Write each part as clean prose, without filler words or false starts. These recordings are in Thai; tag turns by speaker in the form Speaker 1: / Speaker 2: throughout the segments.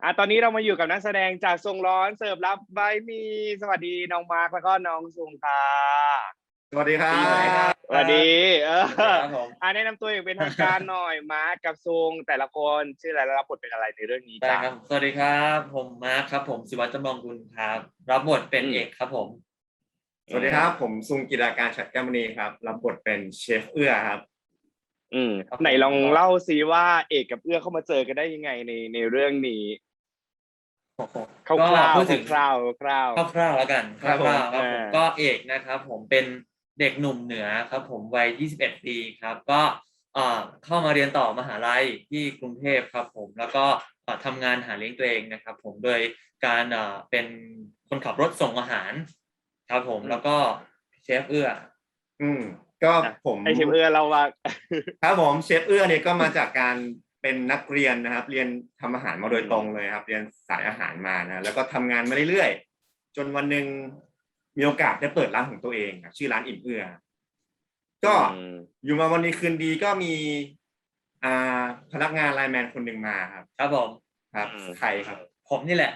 Speaker 1: ตอนนี้เรามาอยู่กับนักแสดงจากทรงร้อนเสิร์ฟรับไว้มีสวัสดีน้องมาร์คแล้วก็น้องซุงค่ะ
Speaker 2: สวัสดีครั
Speaker 1: ได้ยินไหม
Speaker 2: บ
Speaker 1: สวัสดี
Speaker 2: สวัสดีครับผม
Speaker 1: แนะนำตัวอย่างเป็นทางการหน่อยมาร์คกับซุงแต่ละคนชื่ออะไรและรับบทเป็นอะไรในเรื่องนี้จ้ะ
Speaker 3: ได้ครับสวัสดีครับผมมาร์คครับผมศิวัตรจำลองกุลครับรับบทเป็นเอกครับผม
Speaker 2: สวัสดีครับผมซุงกิราการฉัตรแก้วมณีครับรับบทเป็นเชฟเอื้อครับ
Speaker 1: ไหนลองเล่าซิว่าเอกกับเอื้อเข้ามาเจอกันได้ยังไงในเรื่องนี้คร่าวๆคร่าวๆคร่าว
Speaker 3: คร่าวๆแล้วกันคร่าวๆครับผม
Speaker 1: ๆ
Speaker 3: ก็เอกนะครับผมเป็นเด็กหนุ่มเหนือครับผมวัย21ปีครับก็เข้ามาเรียนต่อมหาลัยที่กรุงเทพครับผมแล้วก็ทำงานหาเลี้ยงตัวเองนะครับผมโดยการเป็นคนขับรถส่งอาหารครับผมแล้วก็เชฟเอื้อ
Speaker 2: ก็ผม
Speaker 1: ไอเชฟเอื้อเราว่า
Speaker 2: ครับผมเชฟเอื้อเนี่ยก็มาจากการเป็นนักเรียนนะครับเรียนทำอาหารมาโดยตรงเลยครับเรียนสายอาหารมานะแล้วก็ทำงานมาเรื่อยๆจนวันหนึ่งมีโอกาสได้เปิดร้านของตัวเองชื่อร้านอิ่มเอื้อก็อยู่มาวันนี้คืนดีก็มีพนักงานไลน์แมนคนหนึ่งมาครับ
Speaker 3: ผม
Speaker 2: ครับใครครับ
Speaker 3: ผมนี่แหละ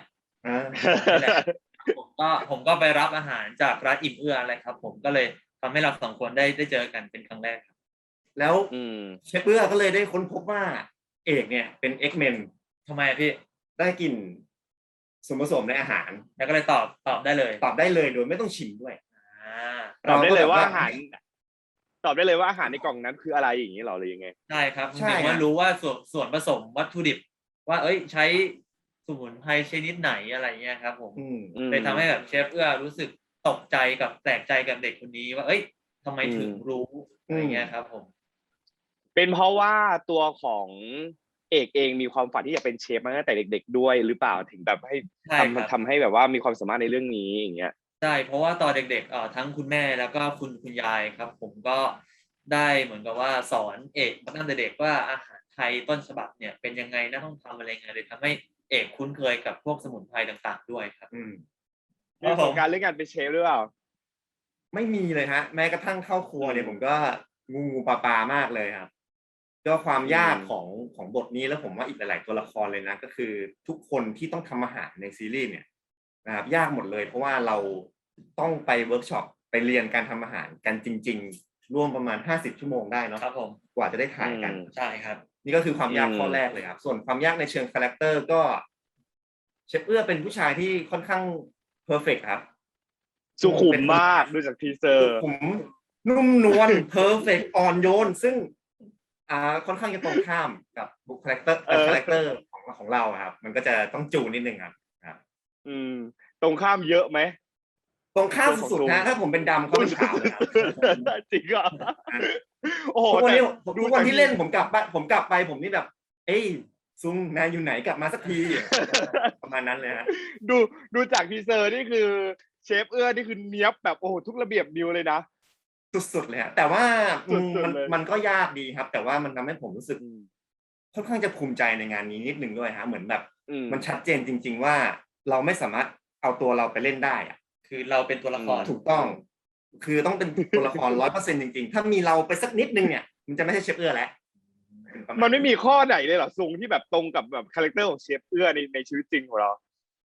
Speaker 3: ผมก็ไปรับอาหารจากร้านอิ่มเอื้ออะไรครับผมก็เลยทำให้เราสองคนได้เจอกันเป็นครั้งแรกครับ
Speaker 2: แล้วเชฟเอื้อก็เลยได้ค้นพบว่าเอกเนี่ยเป็น X-Men
Speaker 3: ทำไมพี่
Speaker 2: ได้กลิ่นส่วนผสมในอาหาร
Speaker 3: แล้วก็เลยตอบได้เลย
Speaker 2: โดยไม่ต้องชิมด้วย
Speaker 1: ตอบได้เลยว่าอาหารตอบได้เลยว่าอาหารในกล่องนั้นคืออะไรอย่างนี้หรอหรือยังไง
Speaker 3: ใช่ครับใช่ว่ารู้ว่าส่วนผสมวัตถุดิบว่าใช้สมุนไพรชนิดไหนอะไรเงี้ยครับผมเลยทำให้แบบเชฟเอื้อรู้สึกตกใจกับแปลกใจกับเด็กคนนี้ว่าทำไมถึงรู้อะไรเงี้ยครับผม
Speaker 1: เป็นเพราะว่าตัวของเอกเองมีความฝันที่จะเป็นเชฟมาตั้งแต่เด็กๆด้วยหรือเปล่าถึงแบบให้ทำให้แบบว่ามีความสามารถในเรื่องนี้อย่างเงี้ย
Speaker 3: ใช่เพราะว่าตอนเด็กๆทั้งคุณแม่แล้วก็คุณยายครับผมก็ได้เหมือนกับว่าสอนเอกมาตั้งแต่เด็กว่าอาหารไทยต้นฉบับเนี่ยเป็นยังไงนะต้องทำอะไรไงเลยทำให้เอกคุ้นเคยกับพวกสมุนไพรต่างๆด้วยครับ
Speaker 1: มีประสบการณ์เรื่องการเป็นเชฟหรือเปล่า
Speaker 2: ไม่มีเลยฮะแม้กระทั่งเข้าครัวเนี่ยผมก็งูปลามากเลยครับก็ความยากของบทนี้แล้วผมว่าอีกหลายๆตัวละครเลยนะก็คือทุกคนที่ต้องทำอาหารในซีรีส์เนี่ยนะครับยากหมดเลยเพราะว่าเราต้องไปเวิร์กช็อปไปเรียนการทำอาหารกันจริงๆร่วมประมาณ50 ชั่วโมงได้เนาะ
Speaker 3: ครับผม
Speaker 2: กว่าจะได้ถ่ายกัน
Speaker 3: ใช่ครับ
Speaker 2: นี่ก็คือความยากข้อแรกเลยครับส่วนความยากในเชิงคาแรคเตอร์ก็เชฟเอื้อเป็นผู้ชายที่ค่อนข้างเพอร์เฟกต์ครับ
Speaker 1: สุขุมมากดูจากทีเซอร์
Speaker 2: ผมนุ่มนวลเพอร์เฟกต์อ่อนโยนซึ่งค่อนข้างจะตรงข้ามกับบุคคาแรคเตอร์ของเราครับมันก็จะต้องจูนนิดนึงครับ
Speaker 1: ตรงข้ามเยอะไหม
Speaker 2: ตรงข้ามสุดๆนะถ้าผมเป็นดำเขาเป็นขาวเลยครับ
Speaker 1: จริงอ่ะ
Speaker 2: โอ้โหทุกวันที่เล่นผมกลับไปผมนี่แบบซุงนายอยู่ไหนกลับมาสักทีประมาณนั้นเลยฮะ
Speaker 1: ดูจากทีเซอร์นี่คือเชฟเอื้อนี่คือเนี้ยบแบบโอ้โหทุกระเบียบนิ้วเลยนะ
Speaker 2: สุดๆเลยแต่ว่ามันก็ยากดีครับ แต่ว่ามันทำให้ผมรู้สึกค่อนข้างจะภูมิใจในงานนี้นิดนึงด้วยฮะเหมือนแบบมันชัดเจนจริงๆว่าเราไม่สามารถเอาตัวเราไปเล่นได้อะ
Speaker 3: คือเราเป็นตัวละคร
Speaker 2: ถูกต้องคือต้องเป็นตัวละคร 100% จริงๆถ้ามีเราไปสักนิดนึงเนี่ยมันจะไม่ใช่เชฟเอื้อแล้ว
Speaker 1: มันไม่มีข้อไหนเลยเหรอซุงที่แบบตรงกับแบบคาแรคเตอร์ของเชฟเอื้อในชีวิตจริงของเรา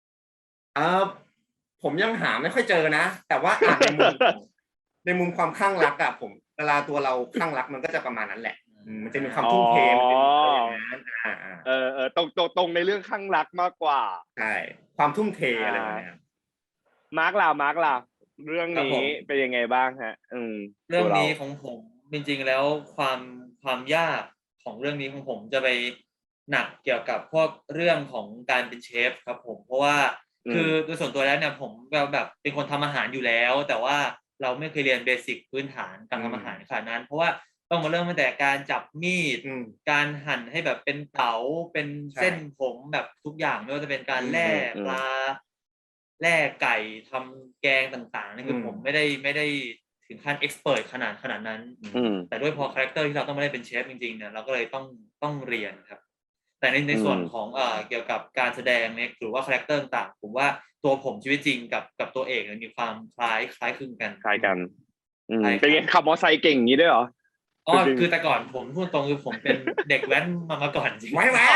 Speaker 2: ผมยังหาไม่ค่อยเจอนะแต่ว่าในมุมความคลั่งรักอะผมเวลาตัวเราคลั่งรักมันก็จะประมาณนั้นแหละมันจะมีความทุ่มเทมันเป็นอย่างนั้น
Speaker 1: ตรงในเรื่องคลั่งรักมากกว่า
Speaker 2: ใช่ความทุ่มเทอะไรแบบนี้
Speaker 1: มาร์กล่ะเรื่องนี้เป็นยังไงบ้างฮะ
Speaker 3: เรื่องนี้ของผมจริงๆแล้วความยากของเรื่องนี้ของผมจะไปหนักเกี่ยวกับพวกเรื่องของการเป็นเชฟครับผมเพราะว่าคือโดยส่วนตัวแล้วเนี่ยผมแบบเป็นคนทำอาหารอยู่แล้วแต่ว่าเราไม่เคยเรียนเบสิกพื้นฐานการทำอาหารขนาดนั้นเพราะว่าต้องมาเริ่มตั้งแต่การจับมีดการหั่นให้แบบเป็นเต๋าเป็นเส้นผมแบบทุกอย่างไม่ว่าจะเป็นการแล่ปลาแล่ไก่ทำแกงต่างๆนี่คือผมไม่ได้ถึงขั้นเอ็กซ์เพิร์ทขนาดนั้นแต่ด้วยพอคาแรคเตอร์ที่เราต้องไม่ได้เป็นเชฟจริงๆเนี่ยเราก็เลยต้องเรียนครับแต่ในส่วนของเกี่ยวกับการแสดงเนี่ยหรือว่าคาแรคเตอร์ต่างผมว่าตัวผมชีวิตจริงกับตัวเอกมีความคล้ายคลึงกัน
Speaker 1: เป็นไงขับมอเตอร์ไซค์เก่งอย่างนี้ด้วยเหรอ
Speaker 3: อ๋อคือแต่ก่อนผมพูดตรงคือผมเป็นเด็กแว้นมาก่อนจริง
Speaker 2: ไว้แหวน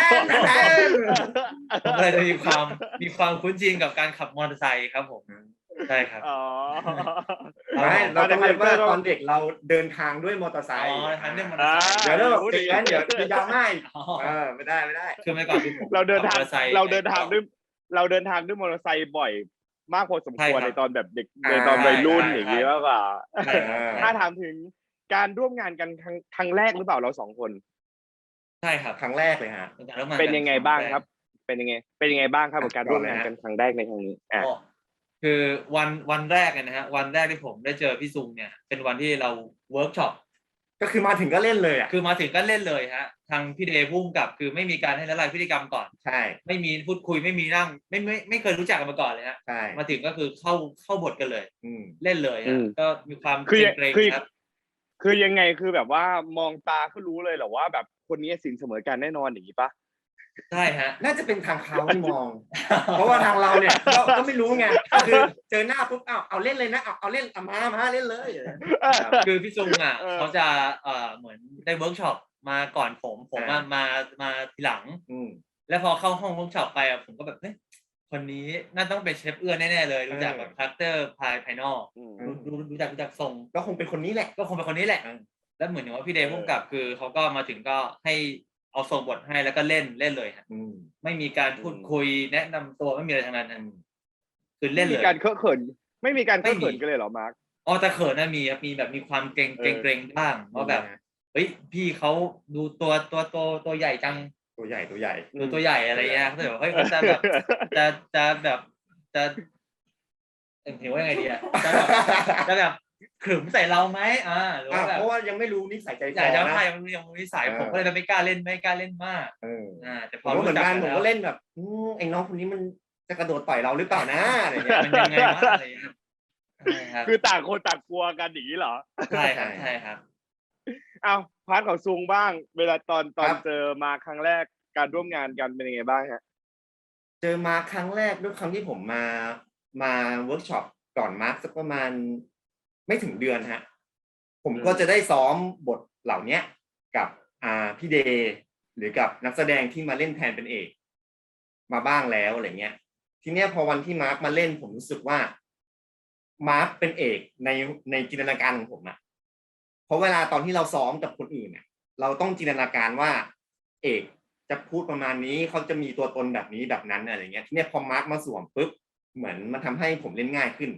Speaker 3: ผมเลยจะมีความคุ้นชินกับการขับมอเตอร์ไซค์ครับผมใช่ครับ
Speaker 1: อ๋อ
Speaker 2: ไม่เราต้องเรียกว่าตอนเด็กเราเดินทางด้วยมอเตอร์ไซ
Speaker 3: อ๋อ
Speaker 2: ค์
Speaker 3: ทันเรื่องมอเตอร์ไซค์
Speaker 2: เดี๋ยวเราเด็กนั้นเดี๋ยวจะยาวง่าย
Speaker 3: อ๋อ
Speaker 2: ไม่ได้ไม่ได้
Speaker 3: คือเมื่อก่อนคือผม
Speaker 1: เราเดินทาง
Speaker 3: ขับมอตอร์ไซค์
Speaker 1: เราเดินทางด้วยเราเดินทางด้วยมอเตอร์ไซค์บ่อยมากพอสมควร
Speaker 3: ใช่ครับ
Speaker 1: ในตอนแบบเด็กในตอนวัยรุ่นอย่างนี้มากกว่า
Speaker 3: ใช่ครับ
Speaker 1: ถ้าถามถึงการร่วมงานกันครั้งแรกหรือเปล่าเรา2 คน
Speaker 3: ใช่ครับ
Speaker 2: ครั้งแรกเลยฮะ
Speaker 1: เป็นยังไงบ้างครับ เป็นยังไงบ้างครับกับการร่วมงานกันครั้งแรกในครั้งนี้
Speaker 3: ก็คือวันแรกเนี่ยนะฮะวันแรกที่ผมได้เจอพี่ซุงเนี่ยเป็นวันที่เราเวิร์กช็อป
Speaker 2: ก็คือมาถึงก็เล่นเลยอ่ะ
Speaker 3: คือมาถึงก็เล่นเลยฮะทางพี่เดย์พุ่งกับคือไม่มีการให้ละลายพฤติกรรมก่อน
Speaker 2: ใช่
Speaker 3: ไม่มีพูดคุยไม่มีนั่งไม่เคยรู้จักกันมาก่อนเลยฮะ
Speaker 2: ใช่
Speaker 3: มาถึงก็คือเข้าบทกันเลย เล่นเลยฮะก็มีความเกรงๆครับ
Speaker 1: คือยังไงคือแบบว่ามองตาก็รู้เลยเหรอว่าแบบคนนี้สินเสมอกันแน่นอนอย่างนี้ปะ
Speaker 3: ใช่ฮะ
Speaker 2: น่าจะเป็นทางเขาที่มอง เพราะว่าทางเราเนี่ยก็ไม่รู้ไงก็คือเจอหน้าปุ๊บเอาเล่นเลยนะเอาเล่นมาเล่นเลย
Speaker 3: คือพี่ซุงอ่ะเขาจะเหมือนได้เวิร์กช็อปมาก่อนผมมาทีหลังแล้วพอเข้าห้องเวิร์กช็อปไปอ่ะผมก็แบบเฮ้ยคนนี้น่าต้องเป็นเชฟเอื้อแน่ๆเลยรู้จักแบบคาแรคเตอร์ภายนอกรู้จักทรง
Speaker 2: ก็คงเป็นคนนี้แหละ
Speaker 3: ก็คงเป็นคนนี้แหละแล้วเหมือนว่าพี่เดย์พุ่งกับคือเขาก็มาถึงก็ให้เอาส่งบทให้แล้วก็เล่นเลยฮะไม่มีการพูดคุยแนะนำตัวไม่มีอะไรทั้งนั้นคือเล่นเลย
Speaker 1: ไม่มีการเคอะเขินกันเลยเหรอมาร์ค
Speaker 3: อ๋อแต่เขินนะมีแบบมีความเกรงบ้างว่าแบบเฮ้ยพี่เขาดูตัวใหญ่จัง
Speaker 2: ตัวใหญ่
Speaker 3: ดูตัวใหญ่อะไรเงี้ยเขาแบบเฮ้ยเขาจะแบบจะเห็นว่ายังไงดีอะจะแบบขรึมใส่เราไหมหรือว่าแบบ
Speaker 2: เพราะว่ายังไม่รู้นิสัยใจคอ
Speaker 3: จะ
Speaker 2: นะ
Speaker 3: ใช่ยังนิสัยผมก็เลยไม่กล้าเล่นมากแต่พอรู้จัก
Speaker 2: ผมก็เล่นแบบไอ้น้องคนนี้มันจะกระโดดต่อยเราหรือเปล่านะอะไรเงี้ย
Speaker 3: มันยังไงวะอะไรเงี้ย
Speaker 1: คือต่างคนต่างกลัวกันอย่างนี้เหรอ
Speaker 3: ใช่ครับ
Speaker 1: เอาพาร์ทของซุงบ้าง เวลาตอนเจอมาครั้งแรกการร่วมงานกันเป็นยังไงบ้างฮะ
Speaker 2: เจอมาครั้งแรกด้วยครั้งที่ผมมาเวิร์กช็อปก่อนมาร์คสักประมาณไม่ถึงเดือนฮะผมก็จะได้ซ้อมบทเหล่านี้กับพี่เดย์หรือกับนักแสดงที่มาเล่นแทนเป็นเอกมาบ้างแล้วอะไรเงี้ยทีเนี้ยพอวันที่มาร์คมาเล่นผมรู้สึกว่ามาร์คเป็นเอกในจินตนาการของผมอะเพราะเวลาตอนที่เราซ้อมกับคนอื่นเนี่ยเราต้องจินตนาการว่าเอกจะพูดประมาณนี้เขาจะมีตัวตนแบบนี้แบบนั้นอะไรเงี้ยทีเนี้ยพอมาร์คมาสวมปุ๊บเหมือนมันทำให้ผมเล่นง่ายขึ้น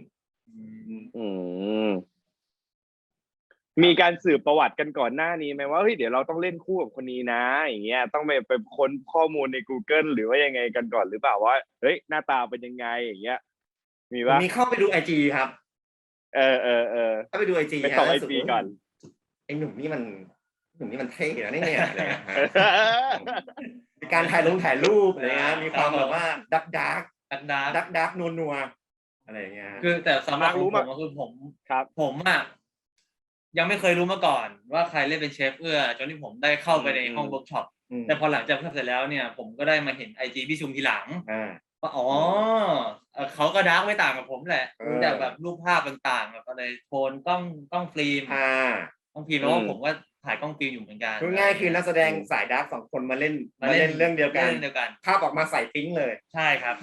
Speaker 1: มีการสืบประวัติกันก่อนหน้านี้ไหมว่าเฮ้ยเดี๋ยวเราต้องเล่นคู่กับคนนี้นะอย่างเงี้ยต้องไปค้นข้อมูลใน Google หรือว่ายังไงกันก่อนหรือเปล่าว่าเฮ้ยหน้าตาเป็นยังไงอย่างเงี้ยมีป่ะ
Speaker 2: มีเข้าไปดู IG ครับเข้าไปดู IG
Speaker 1: ไปส่อง IG ก่อน
Speaker 2: ไอ้หนุ่มนี่มันเท่นะเนี่ยอะไรเงี้ยมีการถ่ายรูปอะไรเงี้ยมีความแบบว่าดักนัวอะไรเงี้ย
Speaker 3: คือแต่สำหรับผมก็คือผมอ่ะยังไม่เคยรู้มาก่อนว่าใครเล่นเป็นเชฟเอื้อจนที่ผมได้เข้าไปในห้องเวิร์กช็อปแต่พอหลังจากเสร็จแล้วเนี่ยผมก็ได้มาเห็น IG พี่ซุงทีหลังว่าเขาก็ดาร์กไม่ต่างกับผมแหละดูจากแบบรูปภาพต่างๆแบบอะไรโทนกล้องฟิล์มแล้วว่าผมก็ถ่ายกล้องฟิล์มอยู่เหมือนกัน
Speaker 2: ง่ายคือนักแสดงสายดาร์ก2 คนมาเล่นเรื่องเดียวกันภาพออกมาใส่ปิ๊งเลย
Speaker 3: ใช่ครับ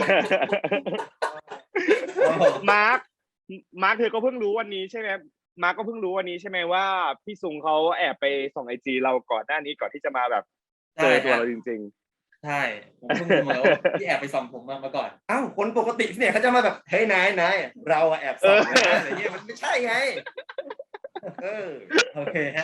Speaker 1: มาร์คเธอก็เพิ่งรู้วันนี้ใช่ไหมมาร์คก็เพิ่งรู้วันนี้ใช่ไหมว่าพี่ซุงเขาแอบไปส่อง IG เราก่อนหน้านี้ก่อนที่จะมาแบบเจอตัวเราจริง
Speaker 3: ๆใช่ผมเพิ่งรู้มาว่าพี่แอบไปส่องผมมาก่อน
Speaker 2: คนปกติเนี่ยเขาจะมาแบบเฮ้ยนายเราแอบส่องนะอะไรเงี้ยมันไม่ใช่ไง
Speaker 3: โอเคฮะ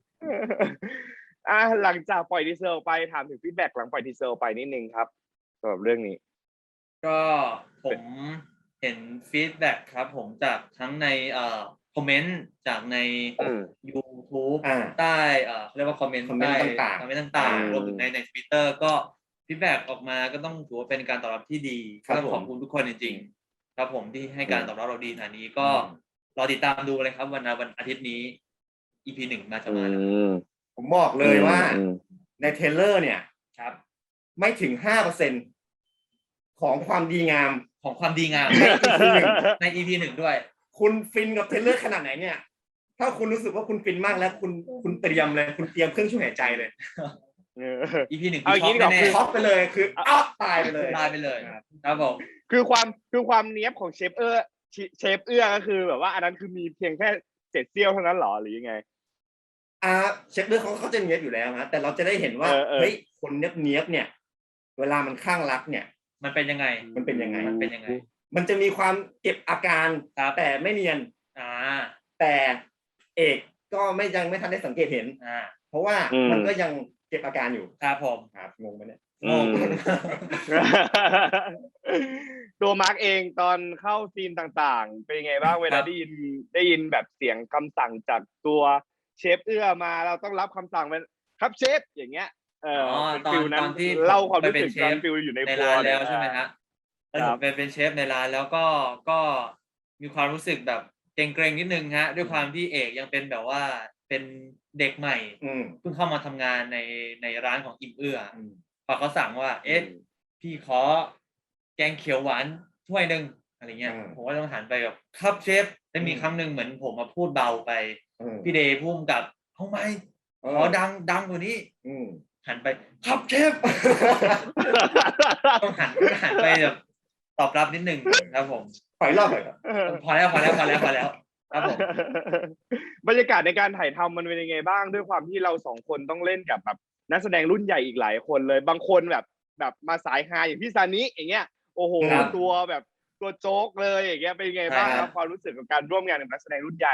Speaker 1: หลังจากปล่อยทีเซอร์ไปถามถึงฟีดแบ็กหลังปล่อยทีเซอร์ไปนิดนึงครับสำหรับเรื่องนี้
Speaker 3: ก็ผมเห็นฟีดแบ็กครับผมจากทั้งในคอมเมนต์จากใน YouTube ใต้เรียกว่าคอมเมนต์ต่างๆรวมถึงใน Twitter ก็ฟีดแบ็กออกมาก็ต้องถือว่าเป็นการตอบรับที่ดีก็ขอบคุณทุกคนจริงๆครับผมที่ให้การตอบรับเราดีขนาดนี้ก็รอติดตามดูเลยครับวันอาทิตย์นี้ EP 1 จะมาแล้ว
Speaker 2: ผมบอกเลยว่าในเทรลเลอร์เนี่ยครับไม่ถึง 5% ของความดีงาม
Speaker 3: ใน EP 1ด้วย
Speaker 2: คุณฟินกับเทรลเลอร์ขนาดไหนเนี่ยถ้ถ้าคุณรู้สึกว่าคุณฟินมากแล้วคุณเตรียมเลยคุณเตรียมเครื่องช่วยหายใจเลย
Speaker 3: EP 1
Speaker 1: เอา
Speaker 3: คือ
Speaker 1: อย่าง
Speaker 3: ช็อก
Speaker 1: นี้ดีกว่า
Speaker 3: แน่
Speaker 2: ช็อกไปเลยคือตายไปเลย
Speaker 3: ๆตายไปเลยครับผม
Speaker 1: คือความเนี้ยบของเชฟเอื้อก็คือแบบว่าอันนั้นคือมีเพียงแค่เศษเสี้ยวเท่านั้นหรอหรือยังไง
Speaker 2: เช็คเรื่องเขาจะเนียบอยู่แล้วนะแต่เราจะได้เห็นว่า
Speaker 1: เออ
Speaker 2: เฮ้ยคนเนียบเนี่ย เวลามันข้างรักเนี่ย
Speaker 3: มันเป็นยังไง
Speaker 2: มันเป็นยังไง
Speaker 3: มันเป็นยังไง
Speaker 2: มันจะมีความเก็บอาการ
Speaker 3: ครับ
Speaker 2: แต่ไม่เนียน
Speaker 3: อ่า
Speaker 2: แต่เอกก็ยังไม่ทันได้สังเกตเห็น เพราะว่ามันก็ยังเก็บอาการอยู่
Speaker 3: ครับผม
Speaker 2: ครับงงไหมเนี่ย
Speaker 1: อืม ตัวมาร์กเองตอนเข้าซีนต่างๆ เป็นยังไงบ้างเวลาได้ยินแบบเสียงคำสั่งจากตัวเชฟเอื้อมาเราต้องรับคำสั่งเป็นครับเชฟอย่างเงี้ยเป็นฟิลนั้น
Speaker 3: ตอนที่
Speaker 1: เล่าความรู้
Speaker 3: ไปเป็
Speaker 1: สึ
Speaker 3: น
Speaker 1: ก
Speaker 3: เช
Speaker 1: ตอ
Speaker 3: ฟ
Speaker 1: นฟิลอยู่ใน
Speaker 3: ใน
Speaker 1: ครัว
Speaker 3: ร้าน
Speaker 1: เนี่
Speaker 3: แล้
Speaker 1: ยว
Speaker 3: ใช่ไหมฮะแล้วผมเป็นเชฟในร้านแล้วก็มีความรู้สึกแบบเกรงๆนิดนึงฮะด้วยความที่เอกยังเป็นแบบว่าเป็นเด็กใหม่ เพิ่งเข้ามาทำงานในร้านของอิ่มเอื้อพอเขาสั่งว่าพี่ขอแกงเขียวหวานถ้วยหนึ่งอะไรเงี้ยผมก็ต้องหันไปแบบครับเชฟได้มีครั้งหนึ่งเหมือนผมมาพูดเบาไปพี่เดย์พุ่มกับเอาไหมขอดังกว่านี้หันไปครับเชฟ ต้องหันไปแบบตอบรับนิดนึงครับผม
Speaker 2: ปล่อยรอบหน่อยครับ
Speaker 3: พอแล้วครับผม
Speaker 1: บรรยากาศในการถ่ายทำมันเป็นยังไงบ้างด้วยความที่เราสองคนต้องเล่นกับแบบนักแสดงรุ่นใหญ่อีกหลายคนเลยบางคนแบบมาสายฮาอย่างพี่ซานิอย่างเงี้ยโอ้โห
Speaker 3: ครับ
Speaker 1: ตัวโจ๊กเลยอย่างเงี้ยเป็นยังไงบ้าง
Speaker 3: ใช่
Speaker 1: ค
Speaker 3: ครั
Speaker 1: รับบ ความรู้สึกกับการร่วมงานกับนักแสดงรุ่นใหญ่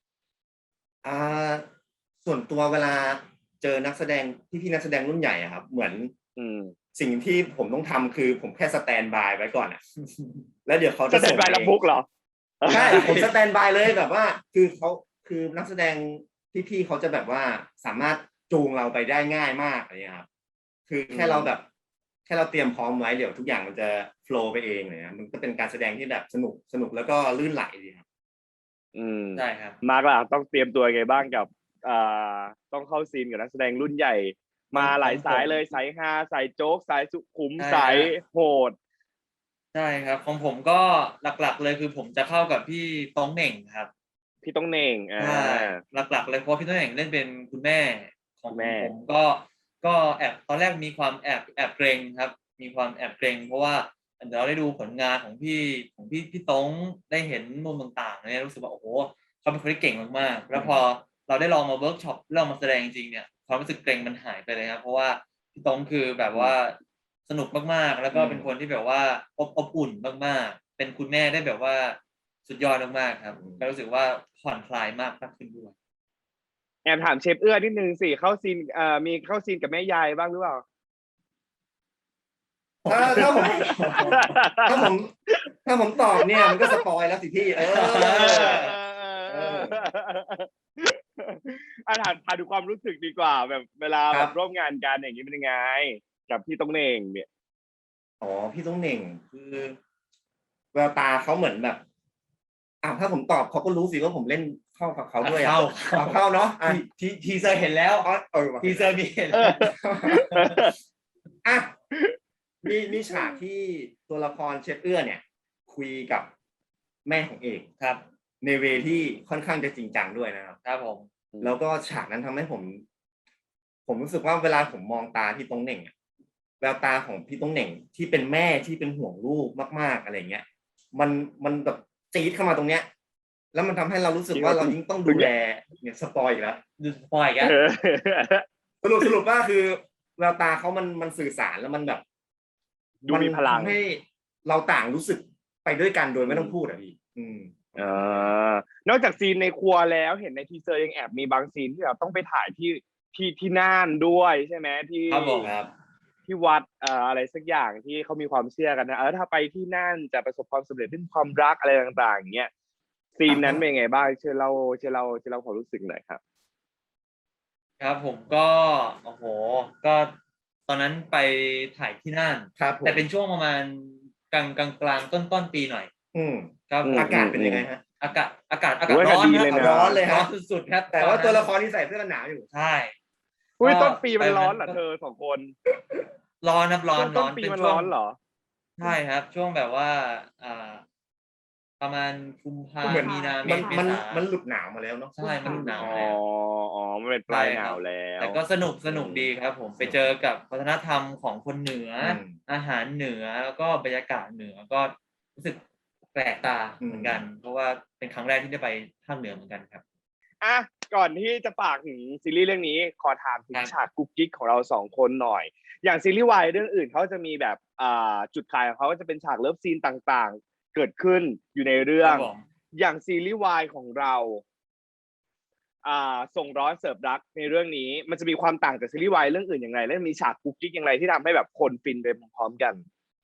Speaker 2: ส่วนตัวเวลาเจอนักแสดงพี่นักแสดงรุ่นใหญ่อะครับ เหมือน สิ่งที่ผมต้องทำคือผมแค่สแตนบายไว้ก่อนอะแล้วเดี๋ยวเขา
Speaker 1: จะ
Speaker 2: จะ
Speaker 1: เซ็
Speaker 2: ส่
Speaker 1: น
Speaker 2: ง
Speaker 1: ใบ
Speaker 2: เอ
Speaker 1: รับ
Speaker 2: ง
Speaker 1: บุ๊กเหรอ
Speaker 2: ใช่ผมสแตนบายเลยแบบว่าคือนักแสดงพี่เขาจะแบบว่าสามารถจูงเราไปได้ง่ายมากอะไรเงี้ยครับคือแค่เราเตรียมพร้อมไว้เดี๋ยวทุกอย่างมันจะโฟลว์ไปเองเลยนะมันก็เป็นการแสดงที่แบบสนุกแล้วก็ลื่นไหลดีครับ
Speaker 3: ใช่ครับ
Speaker 1: มาร์กล่ะต้องเตรียมตัวยังไงบ้างกับต้องเข้าซีนกับนักแสดงรุ่นใหญ่ มาหลายสายเลยสายฮาสายโจ๊กสายสุขุม
Speaker 3: ใช่
Speaker 1: สายโหด
Speaker 3: ใช่ครับของผมก็หลักๆเลยคือผมจะเข้ากับพี่ต้องเหน่งครับ
Speaker 1: พี่ต้องเน่ง
Speaker 3: ใช่หลักๆเลยเพราะพี่ต้องเหน่งเล่นเป็นคุณแม่ของ
Speaker 1: แม่
Speaker 3: ผมก็แอบตอนแรกมีความแอบเกรงครับ มีความแอบเกรงเพราะว่าเดี๋ยวเราได้ดูผลงานของพี่ต้องได้เห็นมุมต่างๆเนี่ยรู้สึกว่าโอ้โหเขาเป็นคนที่เก่งมากๆแล้วพอเราได้ลองมาเวิร์กช็อปลองมาแสดงจริงเนี่ยความรู้สึกเกรงมันหายไปเลยครับเพราะว่าพี่ต้องคือแบบว่าสนุกมากๆแล้วก็เป็นคนที่แบบว่าอบอุ่นมากๆเป็นคุณแม่ได้แบบว่าสุดยอดมากๆครับก็รู้สึกว่าผ่อนคลายมากขึ้นด้วย
Speaker 1: แอบถามเชฟเอื้อนิดนึงสิเข้าซีนมีเข้าซีนกับแม่ยายบ้างหรือเปล่า
Speaker 2: ถ้าผมตอบเนี่ยมันก็สปอยแล้วสิพี่
Speaker 1: ถามดูความรู้สึกดีกว่าแบบเวลา
Speaker 2: ค
Speaker 1: แบ
Speaker 2: รับบ
Speaker 1: ร่วมงานกันอย่างนี้เป็นยังไง กับพี่ต้องเน่งเนี่ย
Speaker 2: พี่ต้องเหน่งคือแววตาเขาเหมือนแบบถ้าผมตอบเขาก็รู้สิว่าผมเล่นเข้ากับเขาด้วยเข้าเนาะ
Speaker 3: ทีเซอร์เห็นแล้ว
Speaker 2: ว่ะ
Speaker 3: ทีเซอร์มีเห็น
Speaker 2: มีฉากที่ตัวละครเชฟเอื้อเนี่ย คุยกับแม่ของเอก
Speaker 3: ครับ
Speaker 2: ในเวที่ค่อนข้างจะจริงจังด้วยนะครับ
Speaker 3: ครับผม
Speaker 2: แล้วก็ฉากนั้นทำให้ผมรู้สึกว่าเวลาผมมองตาพี่ต้องเหน่งแววตาของพี่ต้องเหน่งที่เป็นแม่ที่เป็นห่วงลูกมากๆอะไรเงี้ยมันแบบจี๊ดเข้ามาตรงเนี้ย แล้วมันทำให้เรารู้สึกว่าเรายิ่งต้องดูแลเนี่ยสปอยอีกแล้ว
Speaker 3: ดูสปอยล์กัน
Speaker 2: สรุปว่าคือแววตาเขามันสื่อสารแล้วมันแบบ
Speaker 1: ดูมีพลัง
Speaker 2: ทำให้เราต่างรู้สึกไปด้วยกันโดยไม่ต้องพูดอ่ะพี่
Speaker 1: นอกจากซีนในครัวแล้วเห็นในทีเซอร์ยังแอบมีบางซีนที่เราต้องไปถ่ายที่น่านด้วยใช่ไหมที่
Speaker 3: ครับผมครับ
Speaker 1: ที่วัดอะไรสักอย่างที่เขามีความเชื่อกันนะถ้าไปที่น่านจะประสบความสำเร็จเรื่องความรักอะไรต่างๆอย่างเงี้ยซีนนั้นเป็นไงบ้างเชื่อเล่าความรู้สึกหน่อยครับ
Speaker 3: ครับผมก็โอ้โหก็ตอนนั้นไปถ่ายที่น่าน
Speaker 2: ครับผม
Speaker 3: แต่เป็นช่วงประมาณกลางต้นปีหน่อยครับ
Speaker 2: อากาศเป็นยังไงฮะ
Speaker 3: อากาศ
Speaker 1: โอ้ย
Speaker 3: ร้อน
Speaker 1: ดี
Speaker 3: ค
Speaker 1: เลย
Speaker 3: รับ
Speaker 1: นะ
Speaker 2: ร้อนเลย
Speaker 3: ร้
Speaker 2: ฮะ
Speaker 3: อนสุดๆครับ
Speaker 2: แต่ว่าตัวละครที่ใส่เสื้อกันหนาวอยู่
Speaker 3: ใช่
Speaker 1: อุ้ยต้นปีมันร้อนเหรอเธอสองคน
Speaker 3: ร้อนครับร้อน
Speaker 1: ต้นปีมันร้อนเหรอ
Speaker 3: ใช่ครับ ช่วงแบบว่าประมาณกุมภา
Speaker 2: เหมือน
Speaker 3: มีนาเม
Speaker 2: มัน
Speaker 3: ษ
Speaker 2: มัน
Speaker 3: เษา
Speaker 2: มันหลุดหนาวมาแล้วเนาะ
Speaker 3: ใช่มันหลุดหนาว
Speaker 1: อ๋อ
Speaker 3: แล้ว
Speaker 1: อ๋อมันเป็นปลายหนาวแล้ว
Speaker 3: แต่ก็สนุกดีครับผมไปเจอกับวัฒนธรรมของคนเหนืออาหารเหนือแล้วก็บรรยากาศเหนือก็รู้สึกแปลกตาเหมือนกัน เพราะว่าเป็นครั้งแรกที่ได้ไปภาคเหนือเหมือนกันครับ
Speaker 1: อ่ะก่อนที่จะฝากถึงซีรีส์เรื่องนี้ขอถามถึง
Speaker 3: ครับ
Speaker 1: ฉากกุ๊กกิ๊กของเราสองคนหน่อย อย่างซีรีส์วายเรื่องอื่นเขาจะมีแบบจุดขายของเขาก็จะเป็นฉากเลิฟซีนต่างๆ เกิดขึ้นอยู่ในเรื่อ
Speaker 3: ครั
Speaker 1: ง
Speaker 3: บผม
Speaker 1: อย่างซีรีส์วายของเราส่งร้อนเสิร์ฟรักในเรื่องนี้ มันจะมีความต่างจากซีรีส์วายเรื่องอื่นอย่างไรและมีฉากกุ๊กกิ๊กอย่างไรที่ทำให้แบบคนฟินไปพร้อมๆกัน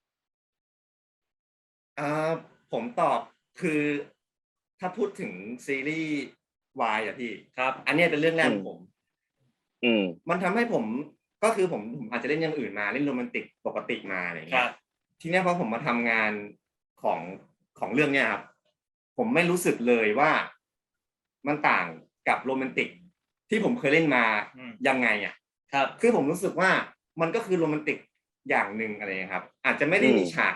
Speaker 2: ผมตอบคือถ้าพูดถึงซีรีส์วายอะพี่
Speaker 3: ครับ
Speaker 2: อันเนี้ยเป็นเรื่องแรกของผม
Speaker 1: อืม
Speaker 2: มันทำให้ผมก็คือผมอาจจะเล่นอย่างอื่นมาเล่นโรแมนติกปกติมาอะไร
Speaker 3: ค
Speaker 2: เงี้
Speaker 3: รั
Speaker 2: ย
Speaker 3: บ
Speaker 2: ทีเนี้ยพอผมมาทำงานของเรื่องเนี้ยครับผมไม่รู้สึกเลยว่ามันต่างกับโรแมนติกที่ผมเคยเล่นมายังไงอ่ะ
Speaker 3: ครับ
Speaker 2: คือผมรู้สึกว่ามันก็คือโรแมนติกอย่างหนึ่งอะไรครับ อาจจะไม่ได้มีฉาก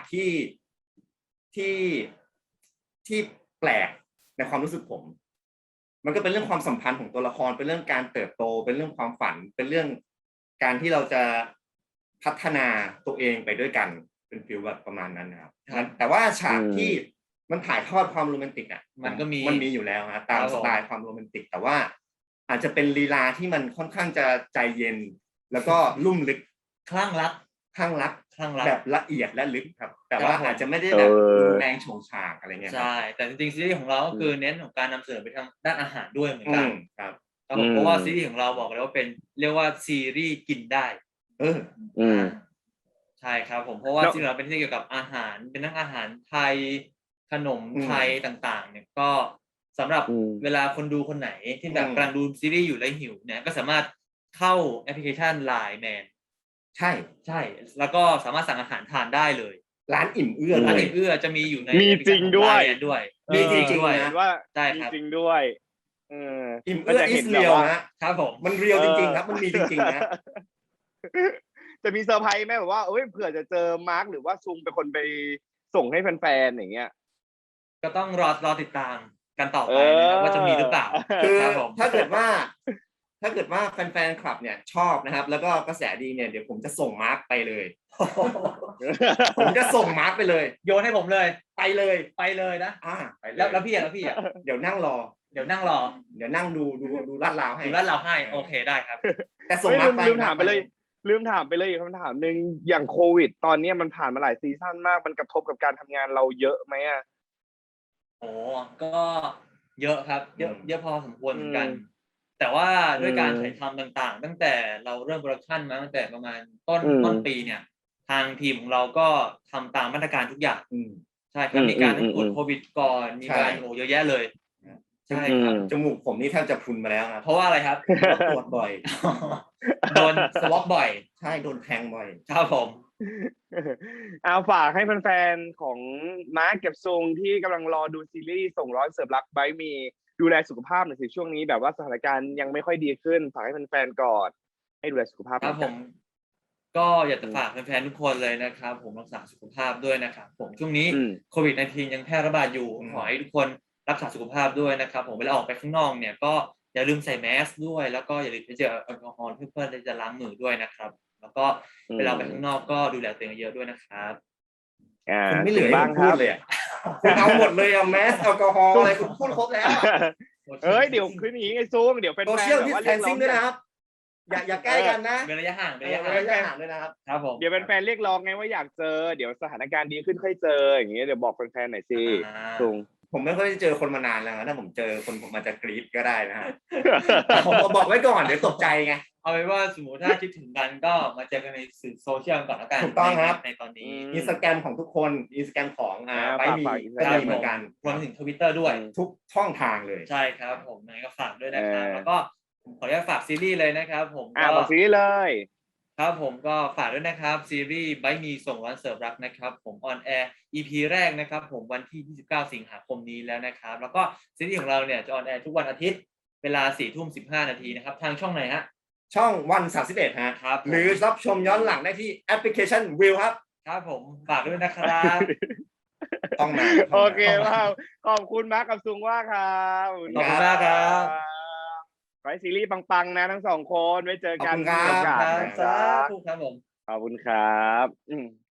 Speaker 2: ที่แปลกในความรู้สึกผม มันก็เป็นเรื่องความสัมพันธ์ของตัวละครเป็นเรื่องการเติบโตเป็นเรื่องความฝันเป็นเรื่องการที่เราจะพัฒนาตัวเองไปด้วยกันเป็นฟีลแบบประมาณนั้นนะครับ
Speaker 3: ครับ
Speaker 2: แต่ว่าฉากที่มันถ่ายทอดความโรแมนติกอ่ะ
Speaker 3: มันก็มี
Speaker 2: อยู่แล้วนะตาม
Speaker 3: ครับผม
Speaker 2: สไตล์ความโรแมนติก แต่ว่าอาจจะเป็นลีลาที่มันค่อนข้างจะใจเย็น แล้วก็ลุ่มลึก
Speaker 3: คลั่งรัก
Speaker 2: ข้างรัก
Speaker 3: คลั่งรัก
Speaker 2: แบบละเอียดและลึกครับ แต่ว่า
Speaker 3: ครับผม
Speaker 2: อาจจะไม่ได้แบบรุนแรงโฉงฉางอะไรเงี้ยครับ
Speaker 3: ใช่แต่จริงๆซีรีส์ของเราก็คือเน้นของการนำเสนอไปทางด้านอาหารด้วยเหมือนกัน
Speaker 2: ครับ
Speaker 3: ครับผมเพราะว่าซีรีส์ของเราบอกเลยว่าเป็นเรียกว่าซีรีส์กินได้
Speaker 1: อืม
Speaker 3: ใช่ครับผมเพราะว่า
Speaker 1: แล้ว
Speaker 3: ซีรีส์เราเป็นที่เกี่ยวกับอาหารเป็นทั้งอาหารไทยขนมไทยต่างๆ เนี่ยก็สำหรับเวลาคนดูคนไหนที่แบบกำลังดูซีรีส์อยู่แล้วหิวเนี่ยก็สามารถเข้าแอปพลิเคชัน Line Man
Speaker 2: ใช่
Speaker 3: ใช่แล้วก็สามารถสั่งอาหารทานได้เลย
Speaker 2: ร้านอิ่มเอื้อ
Speaker 3: ร้าน
Speaker 2: เลย
Speaker 3: อิ่มเอื้อจะมีอยู่ใน
Speaker 1: มีจริงด้วย
Speaker 3: แอปพลิเคชันของ Line Man ด้วย
Speaker 2: มีจริงๆ
Speaker 3: ด้วย
Speaker 2: นะ
Speaker 1: เห็นว่า
Speaker 3: ใช่
Speaker 1: มี
Speaker 3: ครับ
Speaker 1: จริงด้วย
Speaker 2: อิ่มเอื้อ
Speaker 1: จะ
Speaker 2: อิ
Speaker 1: เห็
Speaker 2: ส
Speaker 1: น
Speaker 2: เรีย
Speaker 1: แบบ
Speaker 2: ว
Speaker 1: ว่า
Speaker 2: นะครับ
Speaker 3: ผม
Speaker 2: มันเรียวจริงๆครับมันมีจริงๆนะ
Speaker 1: จะมีเซอร์ไพรส์ไหมแบบว่าเอ้ยเผื่อจะเจอมาร์คหรือว่าซุงเป็นคนไปส่งให้แฟนๆอย่างเงี้ย
Speaker 3: ก็ต้องรอติดตามกันต่อไปนะครับว่าจะมีหรือเปล่า
Speaker 2: คือ
Speaker 3: ครับผม
Speaker 2: ถ้าเกิดว่าแฟนๆคลับเนี่ยชอบนะครับ แล้วก็กระแสดีเนี่ยเดี๋ยวผมจะส่งมาร์คไปเลย ผมจะส่งมาร์คไปเลย
Speaker 3: โยนให้ผมเลย
Speaker 2: ไปเลย
Speaker 3: ไปเลยนะ
Speaker 2: ไปเลย
Speaker 3: แล้วพี่อ่ะ
Speaker 2: เดี๋ยวนั่งรอ
Speaker 3: เดี๋ยวนั่งรอ
Speaker 2: เดี๋ยวนั่งดูลาดราวให้
Speaker 3: ดูแล้วเราให้โอเคได้ครับ
Speaker 2: แต่ส่ง
Speaker 1: เฮ้ย
Speaker 2: มาร์คไป
Speaker 1: ลืมถามไปเลยอีกคำถามหนึ่งอย่างโควิด ตอนนี้มันผ่านมาหลายซีซั่นมากมันกระทบกับการทำงานเราเยอะไหมอ่ะ
Speaker 3: โอ้ก็เยอะครับเยอะพอสมควรเหมือนกัน
Speaker 1: อืม
Speaker 3: แต่ว่าด้วยการ
Speaker 1: อืม
Speaker 3: ถ่ายทำต่างๆ ตั้งแต่เราเริ่มโปรดักชันมาตั้งแต่ประมาณต้น
Speaker 1: อืม
Speaker 3: ต้นปีเนี่ย ทางทีมของเราก็ทำตามมาตรการทุกอย่าง
Speaker 2: อืม
Speaker 3: ใช่ครับมีการตรวจโควิดก่อนมีการ
Speaker 2: ใช่
Speaker 3: เยอะแยะเลยใช่ครับ
Speaker 2: จมูกผมนี่แทบจะพรุนมาแล้วครับ
Speaker 3: เพราะว่าอะไรครับ
Speaker 2: เพราะตรวจบ่อย
Speaker 3: โดนสวอปบ่อย
Speaker 2: ใช่โดนแทงบ่อย
Speaker 3: ครับผม
Speaker 1: เอาฝากให้แฟนๆของมาร์คกับซุงที่กำลังรอดูซีรีส์ส่งร้อนเสิร์ฟรักไบมีดูแลสุขภาพหน่อยสิช่วงนี้แบบว่าสถานการณ์ยังไม่ค่อยดีขึ้นฝากให้แฟนๆก่อนให้ดูแลสุขภาพ
Speaker 3: ครับผมก็อยากจะฝากแฟนๆทุกคนเลยนะครับผมรักษาสุขภาพด้วยนะครับผมช่วงนี้โควิด -19 ยังแพร่ระบาดอยู่ขอให้ทุกคนรักษาสุขภาพด้วยนะครับผมเวลาออกไปข้างนอกเนี่ยก็อย่าลืมใส่แมสด้วยแล้วก็อย่าลืมไปเจอแอลกอฮอล์เพื่อที่จะล้างมือด้วยนะครับแล้วก็เวลาไปข้างนอกก็ดูแลตัวเองเยอะด้วยนะครับ
Speaker 2: คุณไม่เหลือให้
Speaker 1: บ้า
Speaker 2: ผ
Speaker 1: ง
Speaker 2: ม
Speaker 1: ค
Speaker 2: พู
Speaker 1: รั
Speaker 2: ด
Speaker 1: บ
Speaker 2: เลยอ่ะคุณเอาหมดเลยอ่ะแมสแอลกอฮอล์อะไรคุณพูดครบแล้วอะ
Speaker 1: เอ้ยเดี๋ยวคืนนี้ไงซุงเดี๋ยวแฟนๆ
Speaker 2: โซเชียล
Speaker 1: แบบ
Speaker 2: ดิส
Speaker 1: ว่า
Speaker 2: แท
Speaker 1: เรีย
Speaker 2: น
Speaker 1: กร้
Speaker 2: ซิ่
Speaker 1: อง ง
Speaker 2: ด้วยนะครับ อย่าใกล้กันนะ
Speaker 3: เป็นระยะห่างเป็นระยะ
Speaker 2: ระ
Speaker 3: ห่าง
Speaker 2: ยะห่างด้วยนะครับ
Speaker 3: ครับผม
Speaker 1: เดี๋ยวแฟนๆเรียกร้องไงว่าอยากเจอเดี๋ยวสถานการณ์ดีขึ้นค่อยเจออย่างเงี้ยเดี๋ยวบอกแฟนๆหน่อยสิซุง
Speaker 2: ผมไม่ค่อยได้เจอคนมานานแล้วนะถ้าผมเจอคนผมอาจจะกรี๊ดก็ได้นะฮะ ผมบอกไว้ก่อนเดี๋ยวตกใจไง
Speaker 3: เอาไว้ว่าสมมติถ้าคิดถึงกันก็มาเจอกันในสื่อโซเชียลก่อนแล้วกัน
Speaker 2: ถูกต้องครับ
Speaker 3: ในตอนนี้
Speaker 2: อินสตาแกรมของทุกคนอินสตาแกรมของไบมี
Speaker 1: ฝาก
Speaker 2: ก็มีเหมือนกัน
Speaker 3: รวมถึง Twitter ด้วย
Speaker 2: ทุกช่องทางเลย
Speaker 3: ใช่ครับผมยังไงก็ฝากด้วยนะครับแล้วก็ผมขออนุญาตฝากซีรีส์เลยนะครับผมก็
Speaker 1: บอกซีรีส์เลย
Speaker 3: ครับผมก็ฝากด้วยนะครับซีรีส์ไบมีส่งร้อนเสิร์ฟรักนะครับผมออนแอร์ EP แรกนะครับผมวันที่ 29 สิงหาคมนี้แล้วนะครับแล้วก็ซีรีส์ของเราเนี่ยจะออนแอร์ทุกวันอาทิตย์เวลา 4:15 นาทีนะครับทางช่องไหนฮะ
Speaker 2: ช่องวัน31ฮะ
Speaker 3: ครับผม
Speaker 2: หรือรับชมย้อนหลังได้ที่แอปพลิเคชันวิวครับ
Speaker 3: ครับผมฝากด้วยนะครับ
Speaker 2: ต้องมา
Speaker 1: โอเคว้าวขอบคุณมาร์คกับซุงว่าครับ
Speaker 3: ขอบคุณมากครับ
Speaker 1: ขอให้ซีรีส์ปังๆนะทั้งสองคนไว้เจอกัน
Speaker 2: ขอบคุณครับ
Speaker 1: มีโอกาส
Speaker 3: ครับ
Speaker 1: นะค
Speaker 3: สา
Speaker 1: รับ
Speaker 3: ธุครับผม
Speaker 1: ขอบคุณครับ